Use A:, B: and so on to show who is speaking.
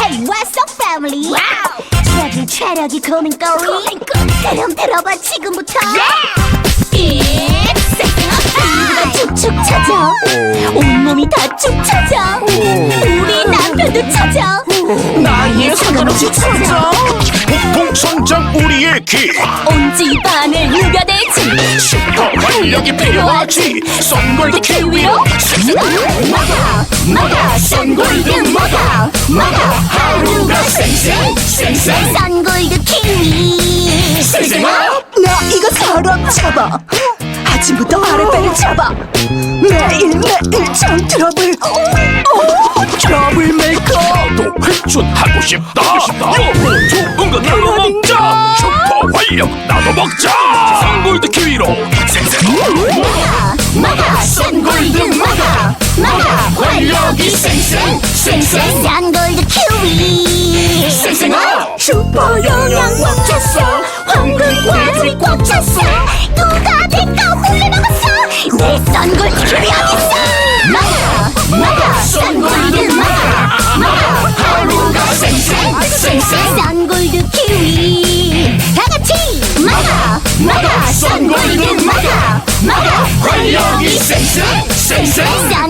A: Hey, what's up, family? Wow! 체력이 고민거리. 그럼 들어봐 지금부터. It's 섹스가 축축 처져. 온몸이 다 축 처져. 우리 남편도 처져.
B: 나이에 상관없이 처져.
C: 폭풍 성장 우리의 키.
A: 온 집안을 누벼대지.
C: 슈퍼 활력이 필요하지. 썬골드 키위로
A: 먹어 썬골드 먹어 하루가 쌩쌩 썬골드 키위
B: 나 이거 사람 잡아. 아침부터 아랫배를 잡아. 매일매일 참 트러블. 트러블 메이커.
C: 또 회춘하고 싶다. 여보 좋은 거 나도 먹자. 슈퍼 활력 나도 먹자. 썬골드 키위로
A: 먹어 썬골드 먹어 활력이 쌩쌩 썬골드 키위
B: 슈퍼 영양
A: 꽉 찼어 황금과즙이 꽉 찼어 누가 내거 홀려먹었어 내 썬골드 키위 어딨어 먹어 썬골드 먹어 하루가 쌩쌩 썬골드 키위 다같이 먹어 썬골드 먹어 활력이 쌩쌩